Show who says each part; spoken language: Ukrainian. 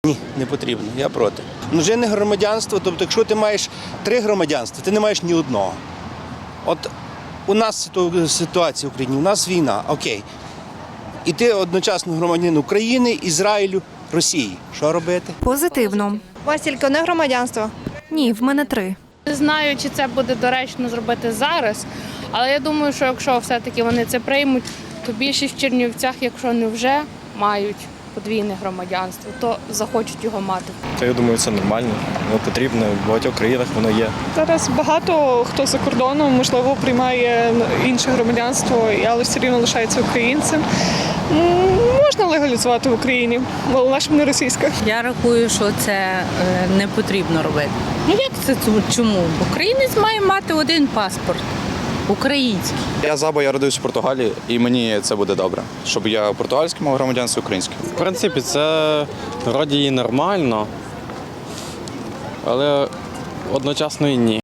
Speaker 1: Ні, не потрібно, я проти. Множинне громадянство, тобто якщо ти маєш 3 громадянства, ти не маєш ні одного. От у нас ситуація в Україні, у нас війна, окей. І ти одночасно громадянин України, Ізраїлю, Росії. Що робити?
Speaker 2: Позитивно.
Speaker 3: У вас тільки одне громадянство?
Speaker 2: Ні, в мене 3.
Speaker 4: Не знаю, чи це буде доречно зробити зараз, але я думаю, що якщо все-таки вони це приймуть, то більшість в Чернівцях, якщо не вже мають подвійне громадянство, то захочуть його мати.
Speaker 5: То я думаю, це нормально, воно потрібно, в багатьох країнах воно є.
Speaker 6: Зараз багато хто за кордоном, можливо, приймає інше громадянство, але все рівно лишається українцем. Можна легалізувати в Україні, головне, щоб не російська.
Speaker 7: Я рахую, що це не потрібно робити. Ну як це чому? Українець має мати один паспорт український.
Speaker 8: Я бо я родився в Португалії, і мені це буде добре, щоб я португальський мав громадянство, українське.
Speaker 5: В принципі, це вроді і нормально, але одночасно і ні.